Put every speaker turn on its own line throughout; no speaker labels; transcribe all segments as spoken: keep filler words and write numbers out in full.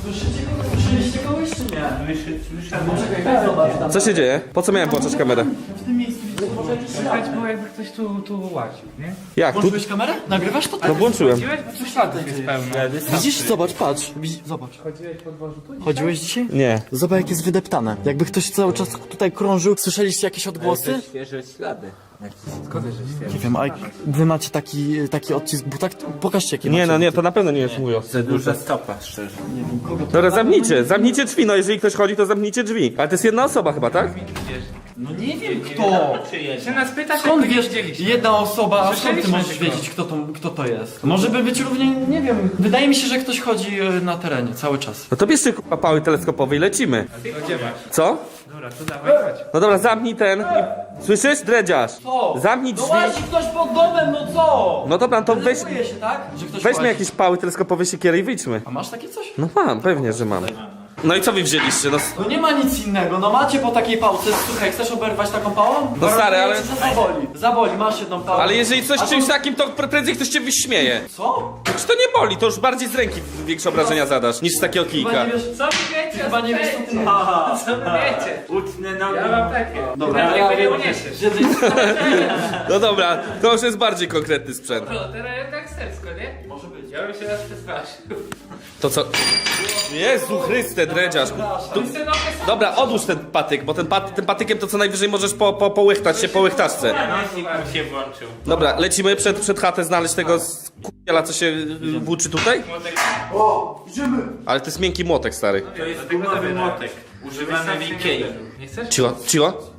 Słyszycie kogoś? Słyszeliście kogoś czy nie?
Słyszałem.
Czekaj, zobacz tam.
Co się dzieje? Po co miałem włączać kamerę?
W tym miejscu widzicie może jakiś ślad.
Było jakby ktoś tu, tu łaził, nie?
Jak? Tu?
Włączyłeś kamerę? Nagrywasz to?
No włączyłem.
Chodziłeś, bo tu śladów jest pełno.
Widzisz? Zobacz, patrz. Widz- Zobacz.
Chodziłeś po dworzu tu?
Chodziłeś dzisiaj?
Nie.
Zobacz jak jest wydeptane. Jakby ktoś cały czas tutaj krążył. Słyszeliście jakieś odgłosy?
Świeże ślady. Skąd że świeże?
Nie wiem, a wy macie taki, taki odcisk buta? Pokażcie jaki
Nie,
macie.
no nie, to na pewno nie jest mój os.
Za duża stopa, szczerze.
Nie wiem, kogo to...
Dobra, zamknijcie, zamknijcie drzwi, no jeżeli ktoś chodzi, to zamknijcie drzwi. Ale to jest jedna osoba chyba, tak?
No nie wiem kto.
Się nas pytasz,
Skąd
jak
wiesz,
widzieliśmy?
jedna osoba, a skąd ty
Słyszeliśmy
możesz
tylko.
wiedzieć kto to, kto to jest? Może by być równie, nie wiem. Wydaje mi się, że ktoś chodzi e, na terenie cały czas.
No to bierzcie kurwa pały teleskopowe i lecimy.
Gdzie masz?
Co?
Dobra, to dawaj, chodź.
No dobra, zamknij ten. i- Słyszysz? Dredziarz.
Co?
Zamknij
No
drzwi.
łazi ktoś pod domem, no co?
No dobra, to weź,
Denerwuje się, tak? Że ktoś
weźmy
łazi.
jakieś pały teleskopowe, siekiery i wyjdźmy.
A masz takie coś?
No mam, pewnie, że mam. No i co wy wzięliście? No,
No nie ma nic innego, no macie po takiej pałce, słuchaj, chcesz oberwać taką pałą?
No stary, ale-
Gwarantuję ci, że zaboli, zaboli, masz jedną pałę.
ale jeżeli coś
A
czymś
to-
takim, to pre- prędzej ktoś cię wyśmieje.
Co?
Czy to nie boli, to już bardziej z ręki większe obrażenia zadasz, niż z takiego
Chyba
kijka.
nie wiesz,
Co wy wiecie?
chyba nie wiesz co ty...
Co wy wiecie?
Utnę nogi.
Ja mam takie.
Dobra,
Nawet
ja
jakby nie
wiem,
uniesiesz.
że ty...
No dobra, to już jest bardziej konkretny sprzęt.
No, teraz tak sersko, nie?
Może być.
Ja bym się raz przestraszył.
To co? Jezu Chryste, dredziarz. Tu... Dobra, odłóż ten patyk, bo ten, pat... tym patykiem to co najwyżej możesz po, po, połychtać się po łychtaczce.
Nosik mu się włączył.
Dobra, lecimy przed, przed chatę znaleźć tego k***a, co się y, włóczy tutaj?
O, idziemy!
Ale to jest miękki młotek, stary.
To jest gumowy młotek. Używany w Ikei.
Nie chcesz?
Ciło, ciło.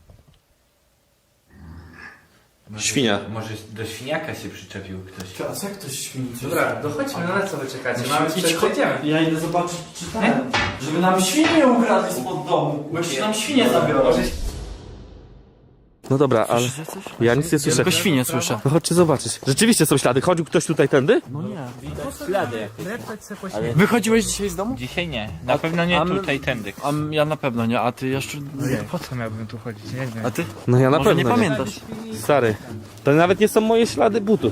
Świnia.
Może do świniaka się przyczepił ktoś.
Teraz jak ktoś świni?
Dobra, dochodźmy, no na co wy czekacie? Mamy
Idź,
przed
chodź. Ja idę zobaczyć, czy ten, żeby nam świnie ukradli spod domu, bo jeszcze nam świnie zabiorą.
No dobra, ale
Słyszycie coś?
ja nic nie słyszę.
Tylko świnie słyszę.
No chodźcie zobaczyć. Rzeczywiście są ślady. Chodził ktoś tutaj tędy?
No nie.
Ślady jakieś.
Wychodziłeś dzisiaj z domu?
Dzisiaj nie. Na pewno nie
a my-
tutaj, tędy.
A m- ja na pewno nie, a ty jeszcze... Nie.
Po co miałbym tu chodzić? Nie wiem.
A ty?
No ja na
Może
pewno
nie pamiętasz.
Stary, to nawet nie są moje ślady butów.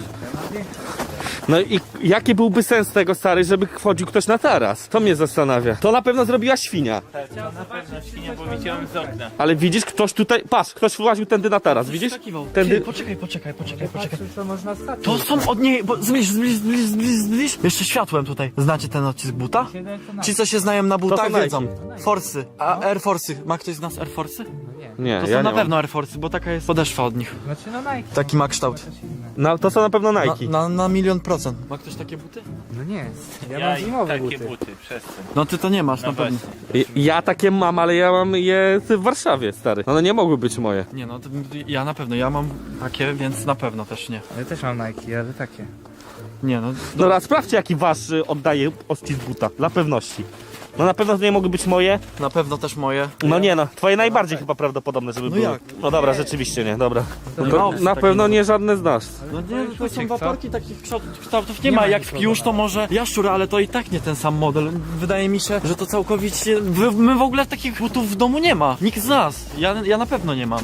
No i jaki byłby sens tego, stary, żeby wchodził ktoś na taras? To mnie zastanawia. To na pewno zrobiła świnia.
Na pewno świnia, bo widziałem z okna.
Ale widzisz, ktoś tutaj... Patrz, ktoś właził tędy na taras, widzisz?
Skakiwał.
Tędy...
Ty, poczekaj, poczekaj, poczekaj, poczekaj.
Co można stać?
To są od niej, bo zbliż, zbliż, zbliż, zbliż, zbliż. Jeszcze światłem tutaj. Znacie ten odcisk buta? Ci, co się znają na butach,
Nike.
wiedzą. Forsy. A Air Force'y. Ma ktoś z nas Air Force'y?
Nie,
To są
ja nie
na
mam.
pewno Air Force'y, bo taka jest podeszwa od nich.
Znaczy no Nike.
Taki ma kształt.
No, to są na pewno
Na,
Nike.
na, na milion procent. Ma ktoś takie buty?
No nie. Ja,
Ja
mam
i
zimowe
takie
buty.
buty, przestań.
No ty to nie masz,
No
na pewno.
właśnie.
Ja takie mam, ale ja mam je w Warszawie, stary. One nie mogły być moje.
Nie no, to, ja na pewno, ja mam takie, więc na pewno też nie.
Ja też mam Nike, ale takie.
Nie no,
Dobra, sprawdźcie jaki wasz y, oddaje odcisk buta, dla pewności. No na pewno to nie mogły być moje.
na pewno też moje.
No nie no, twoje najbardziej chyba prawdopodobne, żeby
No
były.
jak?
No dobra, rzeczywiście nie, dobra.
nie
To
ma opcji
na
takiej.
pewno nie żadne z nas.
No nie, to są
Uciek, co?
waporki takich kształt- kształtów nie,
Nie
ma,
ma
jak
nikogo
w Kiusz to może jaszczur, ale to i tak nie ten sam model. Wydaje mi się, że to całkowicie, wy- my w ogóle takich butów w domu nie ma. Nikt z nas, ja, ja na pewno nie mam.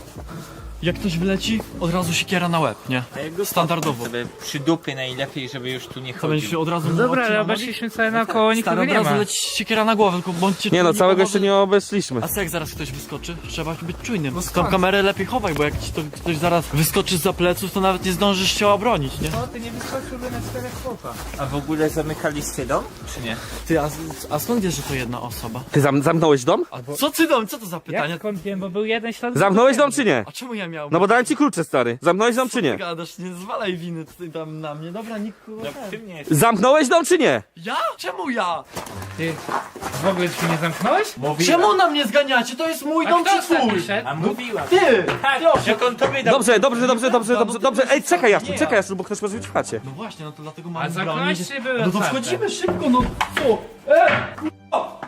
Jak ktoś wyleci, od razu siekiera na łeb, nie? Standardowo.
Sobie przy dupy najlepiej, żeby już tu nie
To będzie się
chodził.
od razu
No dobra,
odcina
ale
nogi.
obeszliśmy sobie naokoło, nikogo
Stary, od
nie
razu
ma.
leci siekiera na głowę, tylko bądźcie
Nie no,
czujni,
całego
bo
jeszcze
może-
nie obeszliśmy.
A co jak zaraz ktoś wyskoczy? Trzeba być czujnym. Tą
skąd?
kamerę lepiej chowaj, bo jak ci to ktoś zaraz wyskoczy za pleców, to nawet nie zdążysz się obronić, nie?
No ty nie wyskoczyłby na czterech chłopa.
A w ogóle zamykaliście dom? Czy nie?
Ty, a, a skąd wiesz, że to jedna osoba?
Ty zam zamknąłeś dom?
Albo... Co ty dom? Co to za pytanie?
Jak skąd wiem, bo był jeden ślad.
Zamknąłeś dom czy nie?
A czemu ja miałem?
No bo dałem ci klucze, stary. Zamknąłeś dom
Co
czy
ty
nie?
gadasz? Nie zwalaj winy tutaj tam na mnie. Dobra, nikt kurwa
No
ten.
ty mnie jest.
Zamknąłeś dom czy nie?
Ja? Czemu ja?
Ty w ogóle drzwi nie zamknąłeś?
Czemu na mnie zganiacie? To jest mój
A
dom
kto
czy
ostatni
twój?
szedł?
A mówiłam.
Ty!
Tak,
Proszę.
jak on tobie dał.
Dobrze, dobrze, dobrze, dobrze, dobrze, dobrze. Ej, czekaj Jaszczur,
Nie.
czekaj Jaszczur, bo ktoś może być w chacie.
No właśnie, no to dlatego
A
mam
zamknąłeś
bronić.
czy były
No to
otwarte?
wchodzimy szybko, no co?
No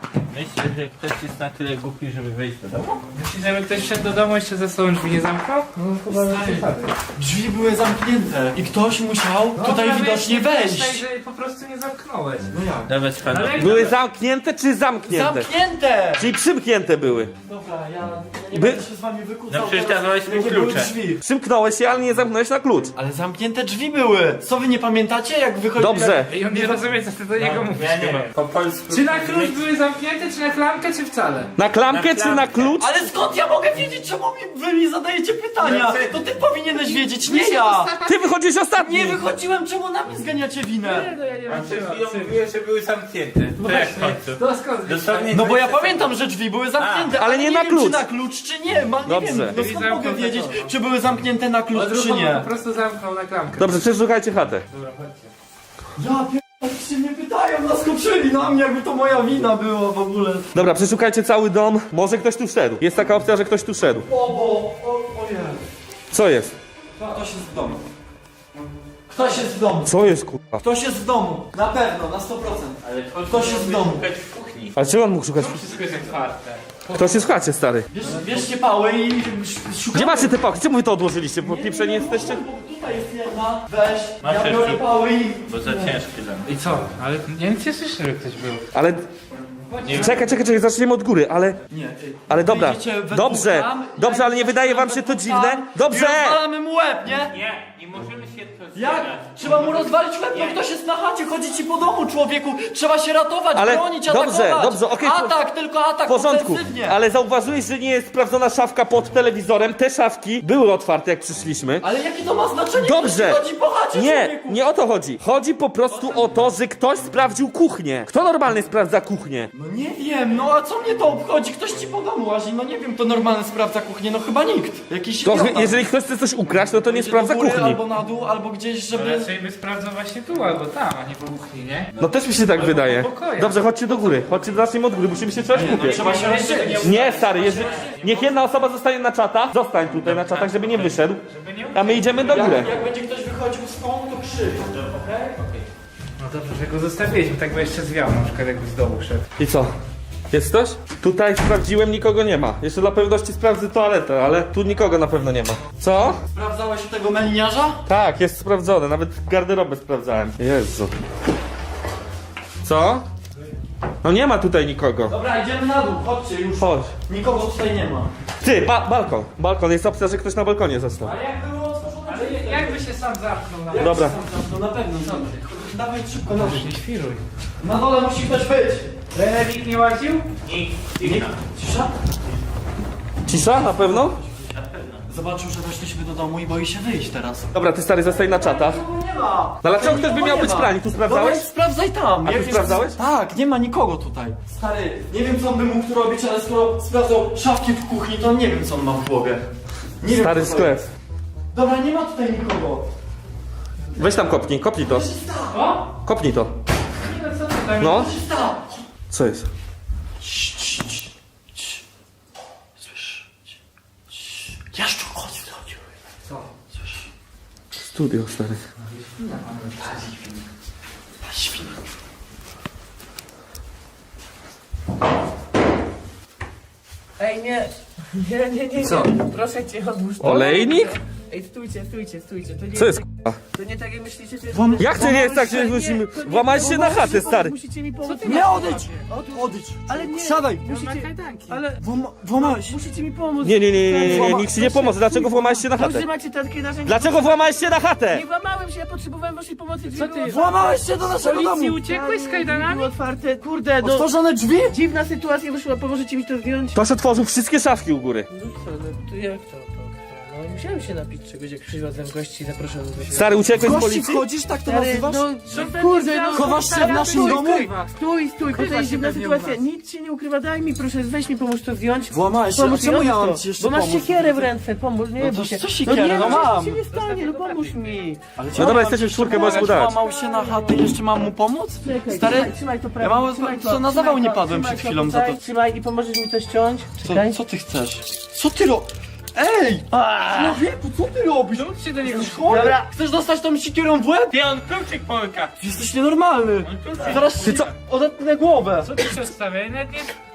Myślę, że ktoś jest na tyle głupi, żeby wejść do domu.
Myślisz, żeby ktoś wszedł do domu jeszcze ze sobą drzwi nie zamknął? No chyba
Drzwi były zamknięte i ktoś musiał tutaj widocznie wejść.
Tak, że po prostu nie zamknąłeś.
No jak?
Dobra, spadł.
Ale jak
Były zamknięte czy zamknięte?
Zamknięte!
Czyli przymknięte były.
Dobra, ja, ja nie
By-
będę się z wami wykłócał.
No przecież
teraz,
dawałeś mi
jakie były
klucze.
drzwi.
Przymknąłeś się, ale nie zamknąłeś na klucz.
Ale zamknięte drzwi były. Co wy nie pamiętacie, jak wychodzili?
Dobrze.
I on nie rozumie, co ty do niego mówisz
Ja nie
chyba.
wiem. Po polsku.
Czy na klucz były zamknięte, czy na klamkę, czy wcale?
Na klamkę
Na
czy na
klamkę.
klucz?
Ale skąd ja mogę wiedzieć, czemu mi, wy mi zadajecie pytania?
No ty-
To ty powinieneś wiedzieć, nie ja.
Ty wychodzisz ostatni.
Nie wychodziłem, czemu na mnie zganiacie winę?
no ja nie
A przed chwilą mówiłeś, że były zamknięte. To jak w końcu?
To skąd wiesz?
Dosłownie
No bo ja
dwadzieścia
pamiętam, że drzwi były zamknięte,
ale nie na
wiem,
klucz.
czy na klucz, czy nie. Ma, nie
Dobrze.
wiem, no skąd
Zamknął
mogę
za
wiedzieć,
to.
czy były zamknięte na klucz, czy
Odruchowo
nie?
po prostu zamknął na klamkę.
Dobrze, przeszukajcie chatę.
Dobra, chodźcie.
Ja pierdolę, się mnie pytają, naskoczyli na mnie, jakby to moja wina była w ogóle.
Dobra, przeszukajcie cały dom. Może ktoś tu wszedł. Jest taka opcja, że ktoś tu wszedł.
O, bo, o, o Jezu.
Co jest?
Ktoś jest w domu. Ktoś jest w domu.
Co jest kurwa?
Ktoś jest w domu. Na pewno, na sto procent.
Ale
Ktoś jest w domu.
szukać w kuchni.
Ale czego on mógł szukać?
Wszystko jest otwarte.
Ktoś jest w chacie, stary.
Bierz, bierzcie pały i sz- szukamy.
Gdzie macie te pałki? Czemu wy to odłożyliście? Bo pieprzeni jesteście?
Bo tutaj jest jedna, weź,
Masz
ja biorę
jeszcze?
pały i...
Bo za ciężkie dla mnie.
I co? Ale ja nic nie słyszę, że ktoś był.
Ale... Czekaj, czekaj, czekaj, zaczniemy od góry, ale...
Nie, ty.
Ale dobra,
Wyjdziecie we
dobrze,
dwóch tam,
dobrze,
ja
ale nie wydaje wam się to
we dwóch
dziwne?
tam
Dobrze!
I rozwalamy mu łeb, nie?
Nie, nie możemy się to
Jak?
zbierać.
Trzeba mu rozwalić łeb, no ktoś jest na chacie, chodzi ci po domu, człowieku. Trzeba się ratować,
Ale
bronić,
dobrze,
atakować.
dobrze, okej, po-
Atak, tylko atak,
W porządku,
ofensywnie.
ale zauważyłeś, że nie jest sprawdzona szafka pod telewizorem. Te szafki były otwarte, jak przyszliśmy.
Ale jakie to ma znaczenie?
Dobrze.
Ktoś chodzi po chacie,
Nie,
człowieku.
nie o to chodzi. Chodzi po prostu o to, że ktoś sprawdził kuchnię. Kto normalnie sprawdza kuchnię?
No nie wiem, no a co mnie to obchodzi? Ktoś ci po domu łazi, no nie wiem, to normalny sprawdza kuchnię, no chyba nikt. Jakiś
To,
idiota.
jeżeli ktoś chce coś ukraść, no to nie
Idzie
sprawdza
do góry,
kuchni.
albo na dół, albo gdzieś,
No
żeby...
raczej by sprawdzał właśnie tu albo tam, a nie po kuchni, nie?
No też mi się tak wydaje.
pokoju.
Dobrze, chodźcie do góry. Chodźcie, zacznijmy od góry. Musimy się czegoś kupić.
Trzeba się rozdzielić.
Nie, stary, jeżeli... niech jedna osoba zostanie na czatach. Zostań tutaj na czatach, żeby nie wyszedł.
Żeby nie...
A my idziemy do góry.
Jak, jak będzie ktoś wychodził stąd, to krzyk.
No dobrze, że go zostawiliśmy, tak by jeszcze zwiał, na przykład jakby z dołu szedł.
I co? Jest ktoś? Tutaj sprawdziłem, nikogo nie ma. Jeszcze dla pewności sprawdzę toaletę, ale tu nikogo na pewno nie ma. Co?
Sprawdzałeś u tego meliniarza?
Tak, jest sprawdzone. Nawet garderobę sprawdzałem. Jezu. Co? No nie ma tutaj nikogo.
Dobra, idziemy na dół, chodźcie już.
Chodź.
Nikogo tutaj nie ma.
Ty, ba balkon. Balkon. Jest opcja, że ktoś na balkonie został.
Ale jak było otworzone
Ale
drzwi?
jakby się sam zamknął na...
Jak
Dobra.
się sam zamknął? Na pewno, co ty? Dawaj szybko na dół.
Nie świruj.
Na dole musi ktoś być.
Trener nie łaził?
Nikt.
Cisza?
Cisza? Na pewno?
Zobaczył, że weszliśmy do domu i boi się wyjść teraz.
Dobra, ty stary, zostań na czatach.
Nikogo nie ma.
No dlaczego
Tutaj
ktoś by
nikogo
miał
nie
być
ma.
pralni? Tu sprawdzałeś?
Dobra, sprawdzaj tam.
A ty
Jak jest-
sprawdzałeś?
Tak, nie ma nikogo tutaj. Stary, nie wiem co on by mógł tu robić, ale skoro sprawdzał szafki w kuchni, to nie wiem co on ma w głowie. Nie
Stary
wiem, co to
sklep.
jest. Dobra, nie ma tutaj nikogo.
Weź tam kopnij, kopnij to.
O!
Kopnij to.
Nie no co ty tam...
No.
Co się stało?
Co jest?
Cii, cii, cii, cii. Słysz? Cii, cii. Jaszczur, chodź, chodź.
Co?
Słysz?
Studio, stary.
Ta świnia.
Ej, nie. Nie, nie, nie, nie.
Co?
Proszę cię, odłóż to.
Olejnik?
Ej, stójcie, stójcie, stójcie. To nie
Co jest
tak,
k***a?
to nie tak jak myślicie, że jest...
Wam-
Jak to nie jest tak, że
Nie,
musimy...
to nie-
Włamać się na chatę, stary.
Musicie mi pomóc.
Nie, odejdź! Odejdź!
Ale nie.
Siadaj!
Musicie... Ale...
Włama- Włamałeś się.
Musicie mi pomóc.
Nie, nie, nie, nie, nie, nie, nikt ci nie pomoże. Dlaczego włamałeś się na chatę?
Dobrze macie takie narzędzia.
Dlaczego włamałeś się na chatę?
Nie włamałem się, ja potrzebowałem waszej pomocy.
Co ty?
Włamałeś się do naszego
Policji
domu!
uciekłeś z
Było
kajdanami?
otwarte. Kurde, no...
Otworzone drzwi?
Dziwna sytuacja wyszła, pomożecie mi to zdjąć?
Ktoś otworzył wszystkie szafki u góry.
No co, no to jak to? to, to? No musiałem się napić czegoś, jak przywiozłem gości i zapraszam do siebie.
Stary, uciekłeś z
Gości
policji?
wchodzisz, tak to
Stary,
nazywasz?
no, kurde, no,
Chowasz się w naszym
stój,
domu?
Stój, stój,
Ukrywa
to jest
się
dziwna
pewnie u
sytuacja.
was.
Nic się nie ukrywa, daj mi proszę, weź mi pomóż to zdjąć.
Włamałeś się, a
Pomóż mi,
czemu ja
odłóż
mam
to,
ci jeszcze
bo masz
pomóc?
siekierę w ręce, pomóż, nie
No
bój
to
się.
co siekierę?
nie,
No
no
mam.
nic się nie stanie, no pomóż mi.
Ale
No dobra, jesteśmy w czwórkę, możesz mu dać.
Włamał się na chatę i jeszcze mam mu pomóc?
Czekaj,
Stary,
trzymaj, trzymaj to prawo,
ja mam-
trzymaj
co na
trzymaj
zawał nie
to,
padłem
trzymaj
przed
to
chwilą za
tutaj,
to.
Trzymaj i pomożesz mi to ściąć,
Co,
czekaj.
co ty chcesz? Co ty ro... Ej! Człowieku, co ty robisz?
Czemu się do niego...
Jesteś chory?
Dobra.
Chcesz dostać tą siekierą w łeb?
Ty on kluczyk pomyka.
Jesteś nienormalny! Zaraz ty co? Odetnę głowę!
Co ty się odstawia? Ja nawet nie...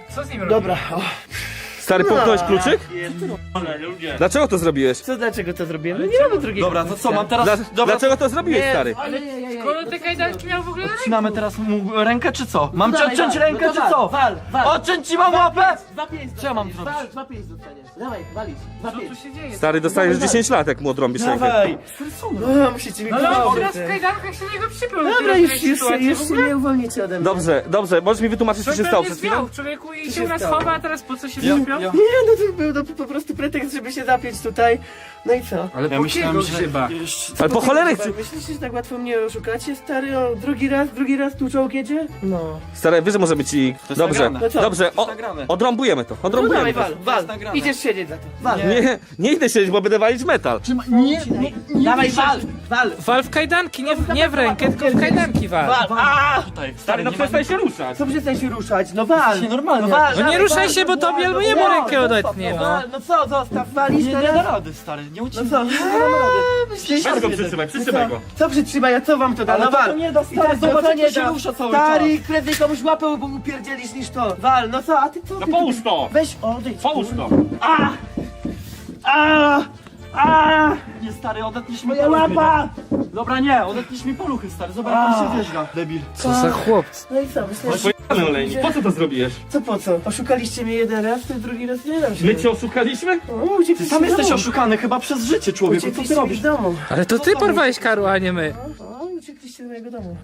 Co z nim robisz?
Dobra, o.
Stary, połknąłeś kluczyk?
Ale ludzie.
Dlaczego to zrobiłeś?
Co, dlaczego to zrobiłem? No nie mamy drugiego.
Dobra, to co, mam teraz...
Dla,
Dobra,
dlaczego to zrobiłeś,
Nie,
stary?
ale nie, nie, nie.
Skoro te kajdanki miał w ogóle na ręku?
odcinamy teraz mu rękę, czy co? Mam ci
Dawaj,
odciąć
wal,
rękę,
no
czy
to
co?
Wal, wal, wal.
Odciąć ci mam łapę?
Dwa pięć
Co ja mam
dostaniesz.
zrobić?
Wal, dwa pięć dostaniesz. Dawaj, walić. Dwa
Co tu
pięć.
się dzieje?
Stary, dostajesz dziesięć lat, jak mu odrąbisz rękę.
Dawaj. No, musicie mi
No ale on
pomóc.
teraz w kajdankach się niego przypiął.
Dobra, już, już, już się nie uwolnicie ode mnie.
Dobrze, dobrze, możesz mi wytłumaczyć, co się stało przed chwilą?
zwiał, człowieku, i się
się
u nas
stało?
chowa, a teraz po co się
Ja-
przypiął?
ja-
Nie, no to był to po prostu pretekst, żeby się zapiąć tutaj. No i co?
Ale
Ja
po
myślałem,
kiego
że...
grzyba?
Jeszcze...
Ale po cholerę
Chyba
chcę...
Myślisz, że tak łatwo mnie oszukacie, stary? O, drugi raz, drugi raz tu czołg jedzie? No.
Stary, wiesz, że może być i...
jest
Dobrze,
nagrane.
No co?
dobrze,
To
o,
jest nagrane.
odrąbujemy to,
No dawaj,
odrąbujemy to.
wal, wal.
nagrane.
Idziesz siedzieć za to. Wal.
Nie, nie idę siedzieć, bo będę walić metal.
Nie, nie, nie.
Dawaj, wal, wal.
Wal w kajdanki, nie w, nie w rękę, tylko w kajdanki wal.
Wal. A!
Tutaj,
Stary, no
nie ma-
przestań się ruszać.
Co przestań się ruszać? No wal.
Się normalnie.
No wal,
No nie
dawaj,
ruszaj
wal,
się, bo
no
tobie
wal,
albo
no
jemu
wal,
rękę
no
odetnie,
co,
no.
wal, no co, zostaw, walisz
Nie, nie
teraz?
da rady, stary, nie
No
uciekaj.
co? Nie dam rady. Myślisz,
Weź go
że-
przytrzymaj,
No
przytrzymaj
co?
go.
Co przytrzymaj, a co wam to da?
Ale
No
to
wal.
to nie da,
I
stary,
teraz
zobacz,
to
jak
nie
to się
da.
rusza cały
Stary,
czas.
prędzej komuś łapę, bo mu pierdzielisz niż to. Wal, no co, a ty co?
No
ty-
połóż to!
Weź, odejdź.
Połóż to!
A! A! A!
Nie, stary, odetniesz mi
Moja
poluchy.
łapa!
Dobra, nie, odetniesz mi poluchy, stary, zobacz, jak on się wierzga. Debil.
Co za chłopcy.
No i co, myślisz,
Pojechany olejnik, po co to zrobiłeś?
co po co? Oszukaliście mnie jeden raz, to drugi raz nie dam się.
My cię oszukaliśmy?
O, uciekliście
Ty sam
z
jesteś
domu.
oszukany chyba przez życie, człowieku, co ty
Uciekliście mi
robisz?
z domu.
Ale to ty porwałeś Karła, a nie my.
O, uciekliście do mojego domu.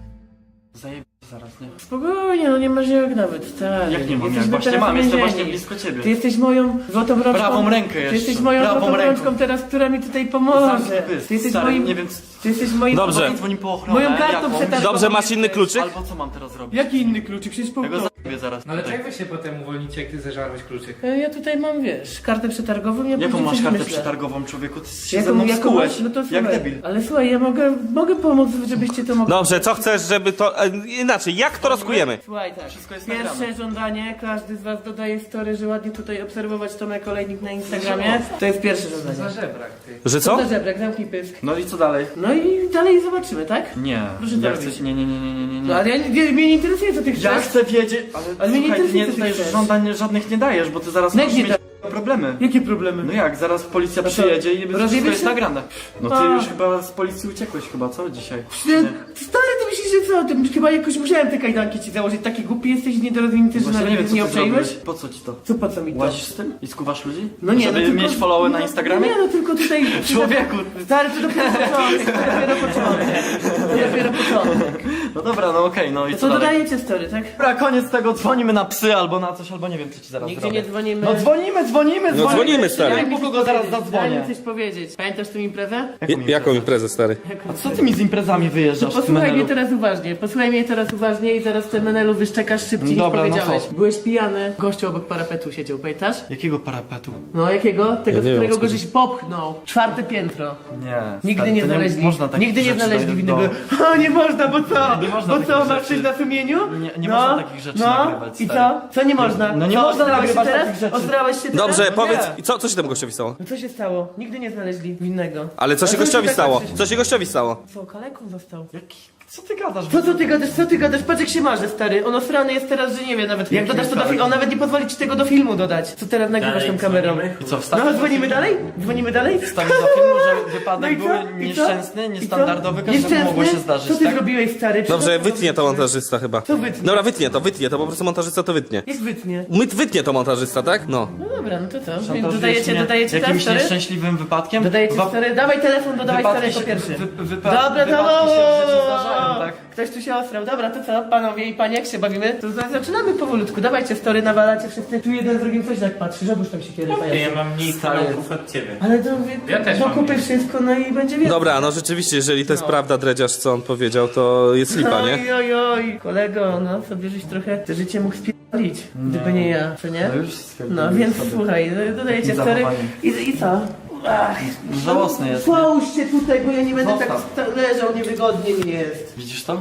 Zajeb... zaraz, nie?
Spokojnie, no nie masz jak nawet, stary.
Jak nie mam, jak
Jesteśmy
właśnie
teraz
mam, jestem
uwięzieni.
właśnie blisko ciebie.
Ty jesteś moją złotą rączką.
Prawą rękę
Ty
jeszcze.
jesteś moją
Prawą
złotą
ręką.
rączką teraz, która mi tutaj pomoże.
Zamknij pysk,
Ty jesteś
stary,
moim...
nie wiem,
Ty jesteś moim...
Dobrze.
Albo dzwoni po ochronę,
Moją kartą
jaką?
przetargową.
Dobrze, masz inny kluczyk?
Albo co mam teraz robić?
Jaki inny kluczyk? Przecież po...
Ja go zabiję zaraz.
No ale jak wy się potem uwolnicie, jak ty zeżarłeś kluczyk?
E, Ja tutaj mam, wiesz, kartę przetargową, ja
Jaką
później
masz
coś
kartę
wymyślę.
przetargową, człowieku? Ty się
Jaką-
ze mną
jaką
skułeś,
masz? No to
jak
słuchaj.
debil.
Ale słuchaj, ja mogę, mogę pomóc, żebyście to mogli.
Dobrze, co chcesz, żeby to... E, inaczej, jak to rozkujemy?
Słuchaj, tak.
Wszystko jest
Pierwsze
nagrane.
żądanie, każdy z was dodaje story, że ładnie tutaj obserwować Tomek Olejnik na Instagramie. To jest pierwsze
Za
żądanie.
żebrak, ty.
Że co?
Za żebrek, zamknij pysk.
No i co dalej?
No i dalej zobaczymy, tak?
Nie,
Proszę
ja
to
chcę...
robić.
Nie, nie, nie, nie, nie, nie,
No
nie.
ale ja, nie, mnie nie interesuje, co ty chcesz.
Ja chcę wiedzieć, ale,
Ale mnie nie
słuchaj, ty
interesuje,
nie
co ty
dajesz
chcesz.
żądań żadnych nie dajesz, bo ty zaraz
No
możesz
jak nie
mieć problemy.
Jakie problemy?
No jak, zaraz policja
No to
przyjedzie i wszystko
rozjebiesz
jest
się?
nagrane. No ty
A.
już chyba z policji uciekłeś chyba, co dzisiaj?
Ty, stary, ty myślisz, że co? Ty chyba jakoś musiałem te kajdanki ci założyć. Taki głupi jesteś, niedorozwinięty, że
Właśnie nie wiem,
nawet
co
nie
ty
obczaiłeś?
zrobiłeś. Po co ci to?
Co, po co mi to?
Łazisz z tym? I skuwasz ludzi?
No nie,
Żeby
no tylko,
mieć followy na
no,
Instagramie?
Nie, no tylko tutaj...
Człowieku!
Stary, to dopiero początek, to dopiero początek. To dopiero początek.
No dobra, no okej, no i
To
co
co,
dalej?
dodajecie story, tak?
Dobra, koniec tego, dzwonimy na psy albo na coś, albo nie wiem, co ci zaraz
Nigdzie
zrobię.
nie dzwonimy.
No dzwonimy, dzwonimy,
No dzwonimy, stary.
Ja mu go zaraz
Daj
zadzwonię.
mi coś powiedzieć. Pamiętasz tę imprezę?
J- jaką imprezę, stary?
A co ty mi z imprezami wyjeżdżasz w tym
Posłuchaj mnie
menelu?
teraz uważnie, posłuchaj mnie teraz uważnie i zaraz w tym menelu wyszczekasz szybciej
Dobra,
niż
no
powiedziałeś.
co?
Byłeś pijany, gościu obok parapetu siedział, pamiętasz?
Jakiego parapetu?
No jakiego? Tego,
Ja
z
nie wiem,
którego
o co
go
chodzi.
żeś popchnął. Czwarte piętro.
Nie.
Nigdy
stary,
nie
to
znaleźli,
można takich
nigdy nie
rzeczy
znaleźli
do-
winnego.
do-
O, nie można, bo co?
Nie można
Bo
takich
co, masz
rzeczy.
coś na sumieniu?
Nie- nie
no,
można takich rzeczy
no.
nagrywać,
I co?
stary.
Co nie można?
No nie
co,
można
ostrałeś się
nagrywać
teraz?
takich rzeczy.
Ostrałeś się teraz?
Dobrze,
No
powiedz,
nie.
co, co się temu gościowi stało?
No co się stało? Nigdy nie znaleźli winnego.
Ale co się
A
gościowi
tak
stało?
patrzysz?
Co się gościowi stało?
Co, kaleką został?
Jaki? Co ty gadasz?
Co, co ty gadasz, co ty gadasz? Patrz jak się marzy, stary. On osrany jest teraz, że nie wie nawet. Jak dodasz to do filmu, on nawet nie pozwoli ci tego do filmu dodać. Co teraz nagrywasz tą kamerą?
I co, wstawisz?
No, dzwonimy dalej? Dzwonimy dalej?
Wstawisz za filmu, że
No
wypadek
i co?
był
I co?
nieszczęsny,
I co?
niestandardowy, każdemu
Nieszczęsny?
mogło się zdarzyć,
Co ty
tak?
zrobiłeś, stary?
Dobrze,
Przecież-
wytnie to montażysta chyba.
Co wytnie?
Dobra, wytnie to, wytnie to, po prostu montażysta to wytnie.
Jak wytnie?
My, wytnie to montażysta, tak? No.
No dobra, no to co?
Szantażujesz
Dodajecie,
mnie
dodajecie teraz,
jakimś
stary?
nieszczęśliwym wypadkiem?
Dodajecie
Wa-
stary? Dawaj telefon, dodawaj stary
wypadki
jako
się-
pierwszy.
wy- wypa-
Dobra,
wypadki
to...
się w życiu zdarzają, tak?
Ktoś tu się ostrał. Dobra, to co? Panowie i panie, jak się bawimy? To za- zaczynamy powolutku. Dawajcie story, nawalacie wszyscy. Tu jeden z drugim coś tak patrzy, żebyś tam się kierował.
Ja mam mniej kanałków od ciebie.
Ale to
Ja też
to
mam
kupy
mniej.
wszystko, no i będzie więcej.
Dobra, no rzeczywiście, jeżeli to jest prawda, dredziarz, co on powiedział, to jest lipa, nie?
Oj, oj, oj, kolego, no sobie żeś trochę te życie mógł spierdolić, gdyby nie ja, co nie?
No już stwierdziłem
No więc
sobie.
słuchaj, dodajecie
Takim
story
zachowaniem.
i, i co? Ach,
Żałosne jest, nie?
Połóżcie tutaj, bo ja nie będę
Zostaw.
tak sta- leżał, niewygodnie mi jest.
Widzisz to?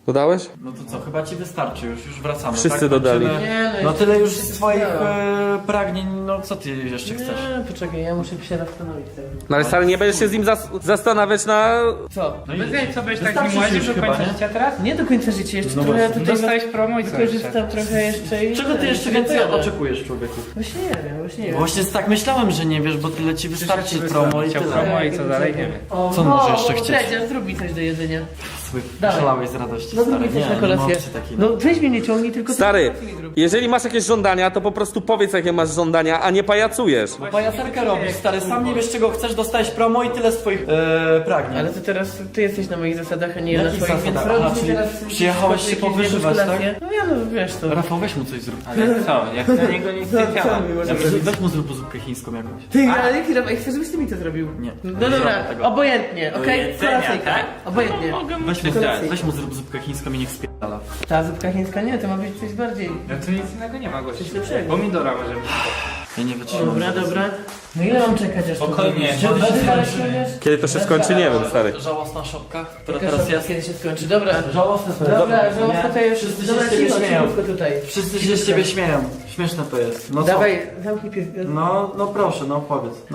Dodałeś?
No to co, chyba ci wystarczy już, już wracamy.
Wszyscy
tak?
dodali.
Kończymy.
Nie, no
No tyle już
jeszcze
z twoich
nie.
e, pragnień, no co ty jeszcze chcesz?
Nie, poczekaj, ja muszę się zastanowić.
No ale stary, nie będziesz się z nim zas zastanawiać na...
Co?
No
Bez niej, co będziesz tak
Wystarczy
nim łaził
już
do
chyba,
końca
nie?
życia teraz?
Nie do końca życia, jeszcze
No
trochę
właśnie.
tutaj
Dostałeś promo i co
wykorzystam trochę jeszcze i...
Czego ty jeszcze więcej oczekujesz, człowieku?
Właśnie nie wiem, właśnie nie wiem.
Właśnie tak myślałem, że nie wiesz, bo tyle ci wystarczy promo i
Chciał
tyle.
promo i co dalej, nie wiem.
O,
Co
no,
może jeszcze
o,
chcieć?
Dredziarz, zrób mi coś do jedzenia.
Słuchaj,
Dawaj.
szalałeś z radości,
No
stary.
zrób mi coś na
nie, nie ma
kolację.
opcji takiej.
No weź mnie nie ciągnij, tylko...
Stary,
ty mi zrób.
jeżeli masz jakieś żądania, to po prostu powiedz jakie masz żądania, a nie pajacujesz.
Pajacerkę robisz, stary, sam nie wiesz czego chcesz, dostałeś promo i tyle z twoich e, pragnień.
Ale to teraz ty jesteś na moich zasadach, a nie ja na
Jakich
swoich, więc
zasadach?
robisz
Aha,
mi
czyli
teraz...
przyjechałeś się
jakieś
powyżywać, tak?
kalkulacje. No ja no, wiesz to.
Rafał, weź mu coś zrób.
Ale co, jak na niego nic nie działa.
Weź, weź mu zrób zupkę chińską jakąś.
Ty, ale jaki Rafał, chcesz, żebyś ty mi to zrobił?
Nie.
No
Nie
dobra,
zrobię tego.
obojętnie, okej?
jedzenia,
Kolacyjka.
tak?
Obojętnie.
Mogę mu
Weź mu,
Kolacyjka.
weź mu zrób zupkę chińską i niech spierdala.
Ta zupka chińska nie, to ma być coś bardziej...
No tu nic innego nie ma, gości.
Coś lepszego.
Pomidora może być.
Ja nie wytrzymam.
Dobra, dobra. No ile mam czekać aż to
Spokojnie.
zrobisz? Czy dwa dni ale ściągniesz?
Kiedy to się skończy, nie wiem, stary.
Żałosna szopka, która
Jaka
teraz
szopka,
jest.
kiedy się skończy? Dobra.
Żałosne to jest.
Dobra, żałosna to jest...
Wszyscy
Dobra,
się z ciebie
cicho,
śmieją.
cichutko tutaj.
Wszyscy się z ciebie śmieją. Śmieszne to jest. No co?
Dawaj, zamknij pies...
No, no proszę, no powiedz. No.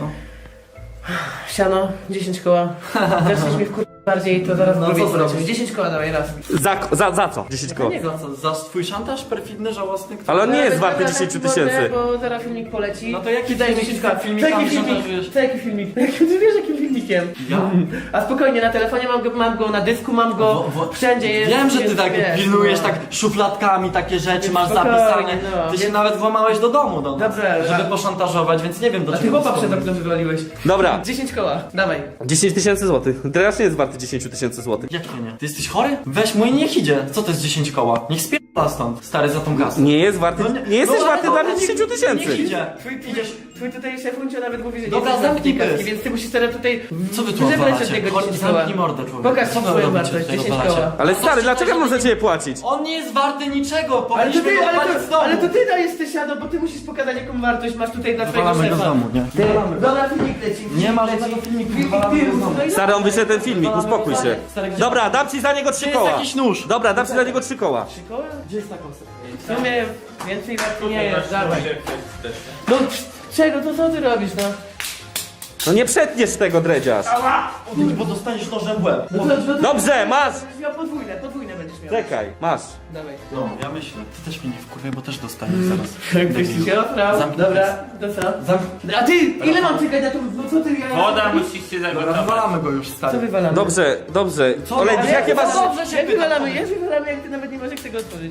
Siano, dziesięć koła. Zaczniesz mi wkur... bardziej, to zaraz
No,
zrobię.
co zrobisz?
dziesięć koła dawaj raz.
Za, za, za co? dziesięć koło.
Nie,
Za co? Za twój szantaż perfidny, żałosny? Który...
Ale on nie jest
Dobra,
warty
dobra,
dziesięć
taki
tysięcy.
mordę, Bo zaraz filmik poleci.
No to jaki
Ty daj
filmik?
dziesięć koła.
Filmikami
Co jaki filmik?
szantażujesz?
Co jaki filmik? Jak ty wiesz jakim filmikiem?
Ja?
A spokojnie, na telefonie mam go, mam go na dysku, mam go,
Wo- wo-
wszędzie jest.
Wiem, że ty
jest,
tak
wiesz,
pilnujesz
no.
tak szufladkami takie rzeczy, masz
Spokojnie,
zapisane.
no.
Ty się
Więc-
nawet włamałeś do domu do nas,
Dobra,
żeby
a-
poszantażować, więc nie wiem do
A ty
czego
chłopa przed
wspomnieć.
okno wywaliłeś.
Dobra,
dziesięć koła, dawaj.
dziesięć tysięcy złotych. Dredziarz nie jest warty dziesięć tysięcy złotych.
Jak to nie? Ty jesteś chory? Weź mój niech idzie. Co to jest dziesięć koła? Niech spierdala stąd, stary, za tą kasę.
Nie jest warty,
No
nie jesteś
no, ale
warty
dobra,
dla mnie
niech-
dziesięć
Niech
tysięcy.
idzie.
Twój, idziesz, twój tutaj szefuncio nawet mówi, że nie
Dobra,
jesteś
zamknij
warty tej kaski,
pysk.
więc ty musisz teraz tutaj
Co wy tu
wyżebrać od
odwalacie?
niego
Chodź,
dziesięć koła.
zamknij mordę, człowiek.
Pokaż
Co wy
swoją
robicie
wartość,
tutaj,
dziesięć
odwalacie?
koła.
Ale
No to
stary,
się
dlaczego ja mam za
nie-
ciebie płacić?
On nie jest warty niczego,
Ale to
powinniśmy
ty,
go
ale
odpalić z
to,
domu.
ale to ty dajesz te siano, bo ty musisz pokazać jaką wartość masz tutaj dla twojego
Wywalamy go z
szefa.
domu, nie?
Ty, dobra, filmik leci.
Nie ma
filmik
żadnego
leci.
filmiku,
Filmik,
wywalamy
ty,
go z domu.
no i
Stary, on wyszedł ten filmik, uspokój się.
Stary, gdzie-
Dobra, dam ci za niego
Gdzie
trzy
jest
koła.
jakiś nóż?
Dobra, dam ci za niego trzy koła.
trzy koła?
Gdzie jest ta kosa?
W sumie więcej warto nie jest, dawaj. No czego, to co ty robisz, no?
No nie przetniesz tego, dredziarz.
Odejdź, bo dostaniesz nożem w łeb.
No to, no to,
Dobrze, masz.
Będziesz miał podwójne, podwójne będziesz miał.
Czekaj, masz.
Dawaj.
No, ja myślę. Ty też mnie nie wkurwaj, bo też dostaniesz zaraz.
Jak byś się oprał.
Zamknij
Dobra, to co?
Zamk-
A ty, ile mam czekać na to? No co ty, ja...
Woda musi się
Dobra,
zagotować.
wywalamy go już,
Co
stary.
wywalamy?
Dobrze, dobrze.
Co?
Olej,
Ale
jakie
jak-
masz...
Dobrze się
Jak
pytam,
wywalamy,
powiedz.
jak wywalamy, jak ty nawet nie masz jak tego otworzyć?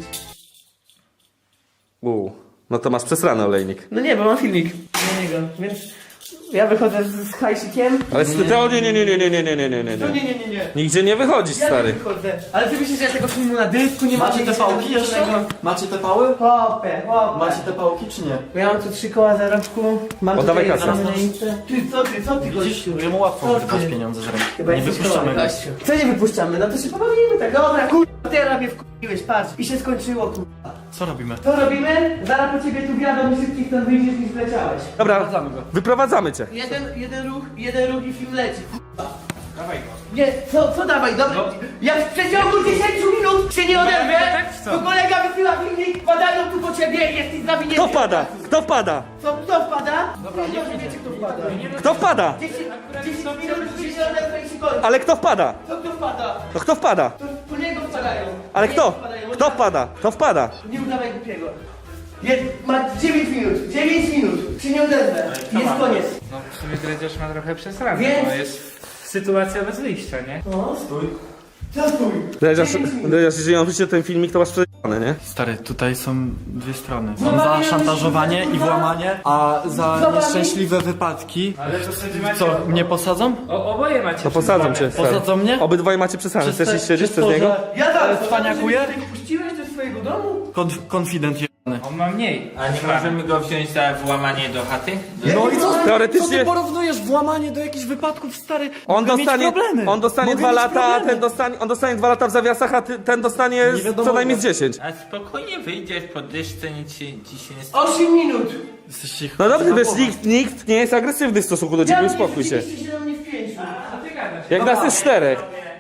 U, no to masz przesrany olejnik.
No nie, bo mam filmik na niego, więc... Ja wychodzę z, z hajsikiem.
Ale z tego nie, nie, nie, nie, nie, nie, nie, nie, nie,
No
nie.
nie, nie, nie, nie.
Nigdzie nie wychodzisz,
Ja nie
stary.
wychodzę. Ale ty myślisz, że ja tego filmu na dysku nie
Macie
mam
te
nic
pałki jeszcze?
żadnego?
Macie te pały?
Hopę, hopę.
Macie te pałki czy nie?
Ja mam tu trzy koła zarobku. Mam
Oddawaj
tutaj
kasę.
zamknięte. Ty, co ty, co ty,
Widzisz,
gościu?
że mu łatwo
Co
wyrwać
ty?
pieniądze z ręki.
Chyba
Nie
jesteś
wypuszczamy
chory,
go.
gościu. Co nie wypuszczamy? No to się pobawimy tak. Dobra, kurwa, teraz mnie wkurwiłeś, patrz. I się skończyło, kurwa.
Co robimy?
Co robimy? Zaraz po ciebie tu wiadomo, szybciej stąd wyjdziesz niż wleciałeś.
Dobra,
Wracamy go.
wyprowadzamy cię.
Jeden, jeden ruch, jeden ruch i film leci.
Dawaj go.
Nie, co, co dawaj, dobra.
No.
Jak w przeciągu dziesięciu minut się nie odezwę,
tak, co?
to kolega wysyła filmik, padają tu po ciebie, jesteś zawinięty.
Kto wpada? Kto wpada?
Co, kto wpada? Dobra, nie wiecie, kto wpada.
Kto wpada?
dziesięć minut się nie odezwę i się kończy.
Ale kto wpada?
Co kto wpada?
No kto wpada?
To po niego wpadają.
Ale
Po
kto?
niego wpadają.
Kto wpada? Kto wpada?
Nie udawaj głupiego. Jest, ma dziewięć minut, dziewięć minut, się nie odezwę. Jest koniec.
No w sumie dredziarz ma trochę przesrane,
Więc-
bo jest sytuacja bez wyjścia, nie?
No, stój. Co stój?
Dredziarz,
dziewięć minut.
dredziarz, jeżeli on wyjdzie ten filmik, to masz przejebane, nie?
Stary, tutaj są dwie strony.
No
Mam za
mamy-
szantażowanie i włamanie, a za
Zobacz.
nieszczęśliwe wypadki.
Ale to wtedy macie...
Co, mnie posadzą?
O, oboje macie
To posadzą cię, stary.
Posadzą mnie?
Obydwoje macie przesrane.
Przez
Chcesz
te-
iść siedzieć
przez
przez
to,
niego?
że-
Ja
Ale
tak,
cwaniakuję?
Ty tego puściłeś do swojego domu?
Konf- Konfident jebany.
On ma mniej.
A nie możemy go wziąć za włamanie do chaty?
No i co? Co
Teoretycznie-
ty porównujesz włamanie do jakichś wypadków, stary?
On
Mogę
dostanie,
mieć problemy.
on dostanie
Mogę
dwa
mieć
lata, a
problemy.
ten dostanie, on dostanie dwa lata w zawiasach, a ty, ten dostanie
Nie wiadomo,
co najmniej z
ile.
dziesięć.
A spokojnie wyjdziesz po dyszce, nic się, ci się nie stanie.
osiem minut.
Jesteście ich
No dobrze,
za
wiesz,
głową.
nikt, nikt nie jest agresywny w stosunku do ciebie, uspokój się.
się do mnie w pięciu.
Co ty gadasz?
Jak nas jest czterech.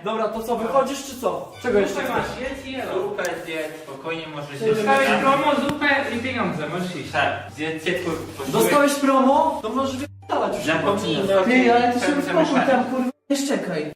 Dobra, to co, wychodzisz czy co? Czego jeszcze
Zupę
chcesz?
masz, jedz i jelo.
Zupę zjedz, spokojnie możesz się
Dostałeś promo, zupę i pieniądze, możesz iść.
Tak, zjedz tylko
Dostałeś promo? To możesz wypalać już.
Zapomnij.
Ty, ale ty się uspokój tam, kurwa, nie szczekaj.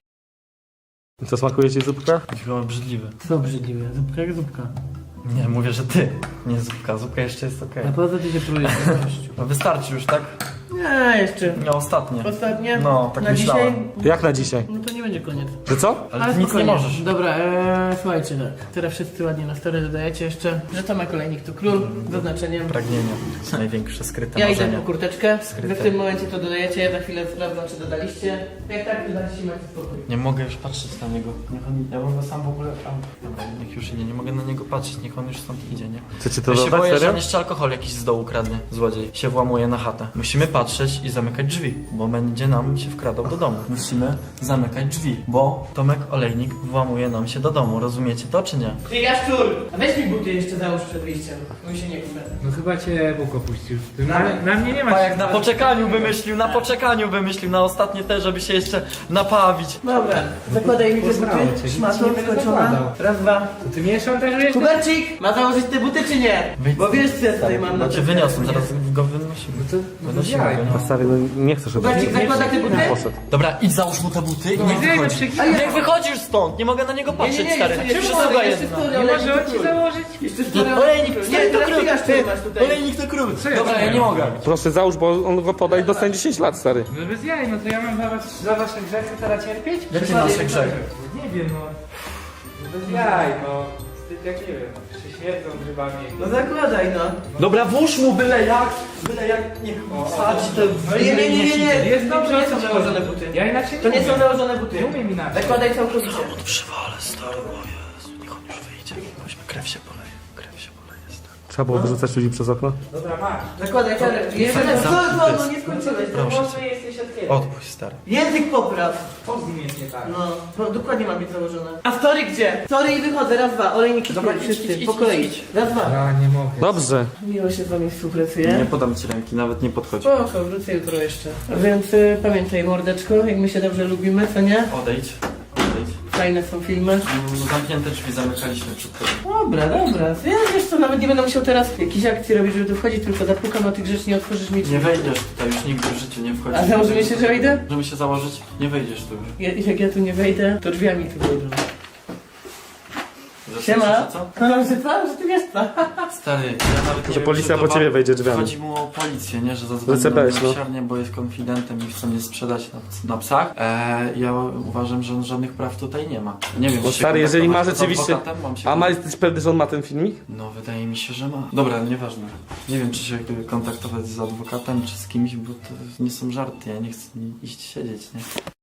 Co, smakuje ci zupka?
Chyba obrzydliwy.
Co obrzydliwe, zupka jak zupka.
Nie, mówię, że ty. Nie zupka, zupka jeszcze jest okej.
A po co ty się próbujesz?
No wystarczy już, tak?
Nie, jeszcze.
No ostatnie.
Ostatnie?
No, tak
na
myślałem.
dzisiaj?
Jak na dzisiaj?
No to nie będzie koniec.
Że co?
Ale ty nic nie
spokojnie.
możesz.
Dobra, ee, słuchajcie tak. Teraz wszyscy ładnie na story dodajecie jeszcze, że Tomek Olejnik to król, z oznaczeniem.
Pragnienie. Największe skryte
Ja idę
marzenia.
po kurteczkę,
Skryte.
wy w tym momencie to dodajecie, ja za chwilę sprawdzam czy dodaliście. Jak tak, dodaliście macie spokój.
Nie mogę już patrzeć na niego. Niech on, ja bym go sam w ogóle tam. Dobra, niech już idzie, nie mogę na niego patrzeć, niech on już stąd idzie, nie?
Chcecie to
Ja się
dodać,
boję, że
serio?
on jeszcze alkohol jakiś z dołu kradnie, złodziej. Się włamuje na chatę. Musimy patrzeć i zamykać drzwi, bo będzie nam się wkradał do domu. Musimy zamykać drzwi, bo Tomek Olejnik włamuje nam się do domu, rozumiecie to czy nie?
Ty Jaszczur! A weź mi buty jeszcze załóż przed wyjściem, bo mi się nie kupię.
No chyba cię Bóg opuścił. Na, na mnie nie ma.
A jak na poczekaniu wymyślił, na poczekaniu wymyślił, na ostatnie te, żeby się jeszcze napawić.
Dobra, zakładaj mi te
Poznało
buty,
cię, nic
szmatą
ci nie będę
skończona.
zakładał.
Raz, dwa.
To ty mnie szantażujesz?
Kubercik! Ma założyć te buty czy nie?
Wyjdź.
Bo wiesz co ja tutaj mam na
No cię
tym
wyniosłem,
telefonie.
zaraz go wynosimy.
No to, no to
Wynosimy
zjaj,
go,
no.
nie?
Stary, no nie chcę, żeby
Kubercik, zakładaj te buty?
poszedł.
Dobra, idź załóż mu te buty i
No,
niech
zjaj, no
wychodzi.
przeginaj.
Niech wychodzisz stąd, nie mogę na niego
Nie,
patrzeć,
nie, nie,
stary.
jeszcze, jeszcze,
Przysługa
jeszcze
jedna.
story,
Nie
olejnik
może
to
on ci
król.
założyć?
Jeszcze story,
Olejnik,
król.
stary,
Nie,
to
teraz
król.
ty Jaszczur masz tutaj.
Olejnik to król.
Co ja
Dobra, ja
zrobiłem?
nie mogę.
Proszę załóż, bo on go poda i dostanie dziesięć lat, stary.
No bez jaj, no to ja mam za, was, za wasze grzechy teraz cierpieć?
Jakie nasze grzechy?
Nie wiem, no. No bez jaj, no. Wstyd jak nie wiem, no. Się śmierdzą grzybami.
No zakładaj no.
Dobra, włóż mu byle jak, byle jak, niech wsadzi te
No nie, nie, nie, nie, nie.
Jest
To
dobrze,
nie
o co
są
ci
założone
chodzi?
buty.
Ja inaczej
To nie
umiem.
są założone buty.
Nie umiem inaczej.
Zakładaj całkowicie.
Przywale, stary, o Jezu, niech on już wyjdzie. Weźmy, krew się poleje, krew się poleje, stary.
Trzeba było wyrzucać ludzi przez okno?
Dobra, masz.
Zakładaj czarę. Jeszcze
Zamknij
co, co,
pysk.
no nie skończyłeś.
Proszę cię.
Może jesteś od kiedy?
Odpuść, stary.
Język popraw.
Co z nim jest nie tak?
No, no dokładnie ma być założone. A story gdzie? Story i wychodzę, raz, dwa. Olejnik
Dobra,
Dobra,
idź,
wszyscy,
idź,
po
idź,
kolei.
idź.
Raz, dwa.
Ja nie mogę.
Dobrze.
Miło się z wami współpracuje.
podam ci ręki, nawet nie podchodź.
Spoko, wrócę jutro jeszcze. Więc y, pamiętaj mordeczko, jak my się dobrze lubimy, co nie?
Odejdź, odejdź.
Fajne są filmy.
Mm, Zamknięte drzwi zamykaliśmy przed tobą.
Dobra, dobra. Ja wiesz co, nawet nie będę musiał teraz jakiejś akcji robić, żeby tu wchodzić, tylko zapukam, a ty grzecznie otworzysz mi drzwi.
Nie wejdziesz tutaj, już nigdy w życiu nie wchodzisz.
A założymy się, że wejdę?
Możemy się założyć? Nie wejdziesz tu już.
Ja, jak ja tu nie wejdę, to drzwiami tu wejdą.
Że
Siema.
słyszysz, co?
No, że co? Że ty wiesz co?
Stary, ja nawet nie
Że
wiem,
policja
czy
po
to
ciebie
wa-
wejdzie drzwiami.
Chodzi mu o policję, nie? Że zadzwoni
C
na
B S, no.
miłosiernie, bo jest konfidentem i chce mnie sprzedać na, na psach. Eee, ja uważam, że on żadnych praw tutaj nie ma. Nie wiem,
Bo
czy się
stary, jeżeli ma
kontaktować z
rzeczywiście...
adwokatem, mam się
A ma,
kon-
jesteś pewny, że on ma ten filmik?
No, wydaje mi się, że ma. Dobra, nieważne. Nie wiem, czy się kontaktować z adwokatem, czy z kimś, bo to nie są żarty. Ja nie chcę iść siedzieć, nie?